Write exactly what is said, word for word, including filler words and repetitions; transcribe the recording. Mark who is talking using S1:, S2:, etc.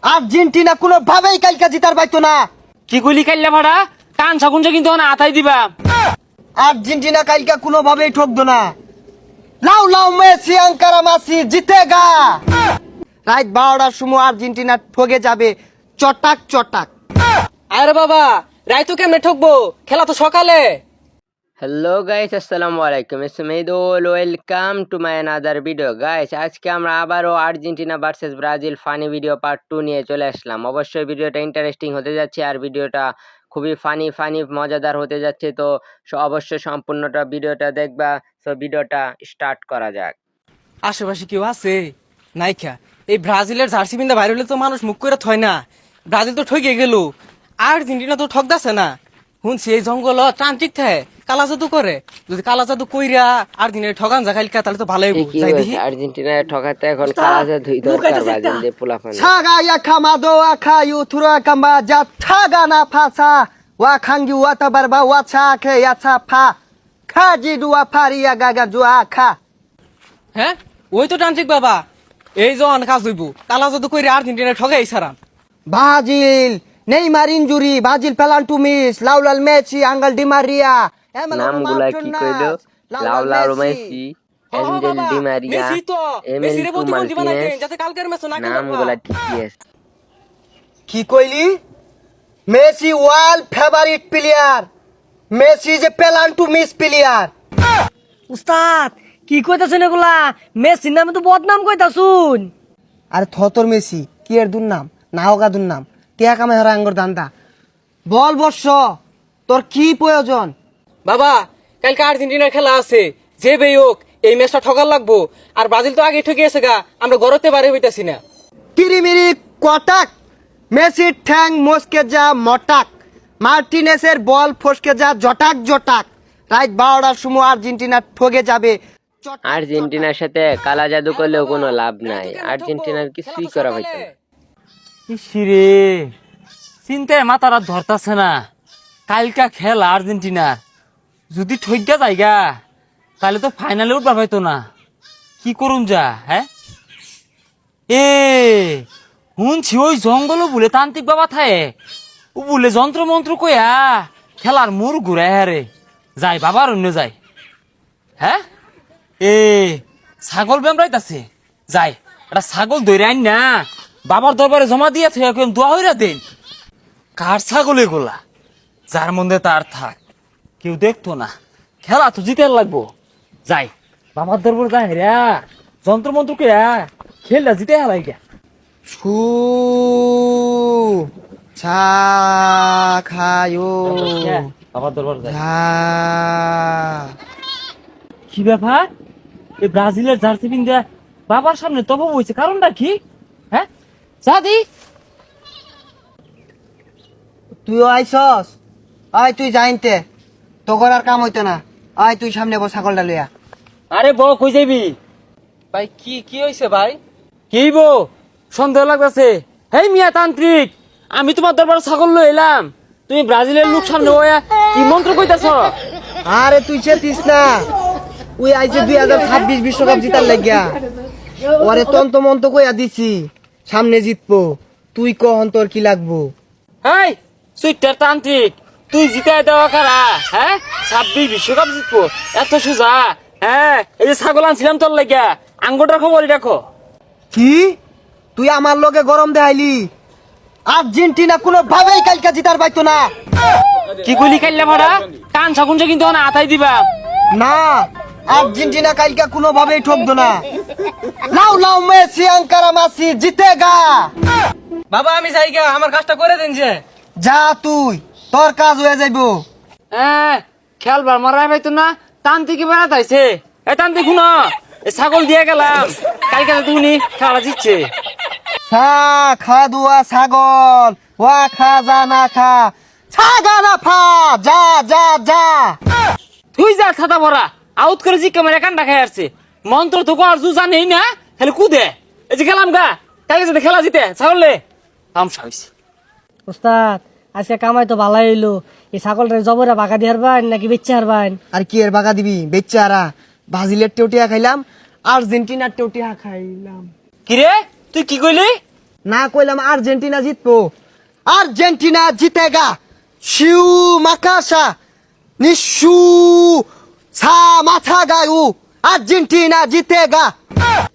S1: Argentina কোনো ভাবেই কালকা জিতার পাইতো না।
S2: কি কইলি কাইল্লা ভাড়া কান সাকুনছে কিন্তু না আতাই দিবা।
S1: আর্জেন্টিনা কালকা কোনো ভাবেই ঠকতো না। লাউ লাউ মেসি আঙ্কারা মাসি জিতেগা। রাত বারোটার সময় আর্জেন্টিনা ঠকে যাবে চটাক চটাক।
S3: আরে বাবা রাইতো কেমনে ঠকবো, খেলা তো সকালে।
S4: হ্যালো গাইস, আসসালামু আলাইকুম। It's Medul, welcome to my another video. Guys, আজকে আমরা আবারও Argentina versus Brazil funny video part two নিয়ে চলে আসলাম। অবশ্যই ভিডিওটা ইন্টারেস্টিং হতে যাচ্ছে আর ভিডিওটা খুবই ফানি ফানি মজাদার হতে যাচ্ছে। তো অবশ্যই সম্পূর্ণটা ভিডিওটা দেখবা। সো ভিডিওটা স্টার্ট করা যাক।
S3: আশেপাশে কেউ আছে নাইখা? এই ব্রাজিলের জার্সি পিন্দা বাইরে হলে তো মানুষ মুখ করে থয় না। ব্রাজিল তো ঠকে গেল, আর্জেন্টিনা তো ঠকদাছে না। শুনছি এই জঙ্গল তান্ত্রিক থাকে, কালা জাদু করে। যদি কালা জাদু কইরা আর্জেন্টিনা ঠগান যা খাইলকা তাহলে তো ভালোই
S4: কি
S3: যাই
S4: হয়েছে
S3: দেখি।
S4: আর্জেন্টিনা ঠকাতে এখন কাজে দুই দরকার ব্রাজিল পোলাপান।
S1: ছাগা ইয়াখামাদো আখায়ু থুরা কাম্বা যা ছাগা না ফাসা ওয়া খাঙ্গি ওয়া তাবারবা ওয়া ছাকে ইয়াছা ফা খাজি দুয়া ফারিয়া গাগা জুয়া খা।
S3: হ্যাঁ ওই তো তান্ত্রিক বাবা, এই জন কাজ হইব কালা জাদু কইরা আর্জেন্টিনা ঠগাই সারাম।
S1: Brazil Neymar injury, Brazil penalty miss, লাউলাল মেসি, আঙ্গেল ডি মারিয়া,
S4: নামগুলা কি কইলো? লাউলাও Messi, Angel di Maria,
S3: Messi তো
S4: এমিল
S3: মেসি রে প্রতিবন্ধী বানাই দেন
S4: মার্টিনেজ।
S3: যাতে কালকের ম্যাচ না খেলতে
S4: নামগুলা ঠিকই আছে।
S1: কি কইলি? Messi world favourite player, Messi যে পেনাল্টি মিস প্লেয়ার।
S5: উস্তাদ কি কইতাছেন এগুলা? মেসির নামে তো বদনাম কইতাছুন।
S1: আরে থতর মেসি কি এর দুর নাম না হোগা দুর নাম টিয়া কামে হরা আঙ্গর দান্দা। বল বর্ষ তোর কি প্রয়োজন?
S3: বাবা কালকে আর্জেন্টিনার খেলা আছে, যে বেই হোক এই ম্যাচটা ঠকার লাগবো। আর ব্রাজিল তো আগে ঠকে গেছে গা, আমরা গড়তে বারে হইতাছি না।
S1: কিরিমিরি কটাক, মেসির ঠ্যাং মস্কে যা মটাক, মার্টিনেসের বল ফসকে যা জটাক জটাক। রাত বারোটার সময় আর্জেন্টিনা ঠকে যাবে চটাক
S4: আর্জেন্টিনার সাথে কালা জাদু করলেও কোনো লাভ নাই, আর্জেন্টিনার কিছুই করা হইতো না।
S2: ইসিরে চিন্তায় মাথারা ধরতাছে না। কালকা খেলা আর্জেন্টিনার যদি ঠইগা যায়গা তাহলে তো ফাইনালে উঠবা পাইতো না। কি করুন যা? হ্যাঁ এ শুনছি ওই জঙ্গল বলে তান্ত্রিক বাবা থায়ে ও বলে যন্ত্র মন্ত্র কইয়া খেলার মুর ঘুরায় হারে যাই বাবার অন্য যায়। হ্যাঁ এ ছাগল বেমরাইতাছে, যাই একটা ছাগল ধরে আইন না বাবার দরবারে জমা দিয়ে থেকে দোয়া হইরা দেন। কার ছাগল এগুলা? যার মধ্যে তার থাক, কেউ দেখতো না। খেলা তো জিতে লাগবো। যাই বাবার দরবার যাই রে যন্ত্র মন্ত্র কে খেললা জিতে হেলাই গা।
S1: ছু ছা খায়ো
S2: বাবার দরবার যাই।
S1: ঝা।
S2: কি ব্যাপার? এই ব্রাজিলের জার্সি পিন্দা বাবার সামনে তব হয়েছে, কারণটা কি? হ্যাঁ সাদি
S1: তুইও আইসস? আয় তুই জানতে তোর আর কাম হইতো না। আয় তুই সামনে বস ছাগলটা লইয়া।
S2: আরে বউ কই যাবি?
S3: ভাই কি কি হইছে ভাই?
S2: কি বউ সন্দেহ লাগতেছে? হেই মিয়া তান্ত্রিক, আমি তোমার দরবার ছাগল লই এলাম, তুমি ব্রাজিলের লোক সামনে ওয়া কি মন্ত্র কইতাছ?
S1: আরে তুই চেতিস না, ওই আইছে দুই হাজার ছাব্বিশ বিশ্বকাপ জিতার লাগিয়া ওরে তন্ত মন্ত কইয়া দিছি সামনে জিতবো। তুই কহন তোর কি লাগবো?
S2: হেই সুইটার তান্ত্রিক, তুই জিতাই দেওয়া কারা? হ্যাঁ ছাব্বিশ বিশ্বকাপ জিতবো এত সোজা? হ্যাঁ এই যে ছাগল আনছিলাম তোর লাগিয়া, আঙ্গুটার খবরই রাখো।
S1: কি তুই আমার লগে গরম দেখাইলি? আর্জেন্টিনা কোনো ভাবেই কালকা জিতার পাইতো না।
S2: কি গুলি খাইলে ভাড়া কান ছাগুনছে কিন্তু না আতাই দিবা।
S1: না আর্জেন্টিনা কালকা কোনো ভাবেই ঠকতো না। লাউ লাউ মেসি আঙ্কারা মাসি জিতেগা।
S3: বাবা আমি যাই গা, আমার কাজটা করে দেন যে।
S1: যা তুই, তোর কাজ হয়ে যাইবো।
S2: হ্যাঁ খেলবার মারাই পাইতো না, তান্ত্রিক বেড়াত আইছে। এ তান্ত্রিক শুনো, এই ছাগল দিয়ে গেলাম, কালকে তুমি খেলা জিতছে।
S1: খা খা দুয়া ছাগল ওয়া খা যা না খা ছাগা না ফা যা যা যা।
S2: তুই যা ছাতা ভরা আউট করে জি ক্যামেরা কান্ডা খাই আসছে। মন্ত্র তো কর জু জানেই না, খালি কুদে। এই যে গেলাম গা, কালকে যাতে খেলা জিতে ছাগলে তামসা হইছে।
S5: উস্তাদ আজকে কামাই তো ভালাই হইলো। এই ছাগলটা জবরে বাঁকা দিয়ে হারবান নাকি বেচে হারবান?
S1: আর কি এর বাগা দিবি বেচারা? ব্রাজিলের টেউটিয়া খাইলাম, আর্জেন্টিনার টেউটিয়া খাইলাম।
S2: কিরে তুই কি কইলি?
S1: না কইলাম আর্জেন্টিনা জিতবো। আর্জেন্টিনা জিতেগা। শিউ মাকাশা নিশু ছা মাথা গায়ু আর্জেন্টিনা জিতেগা।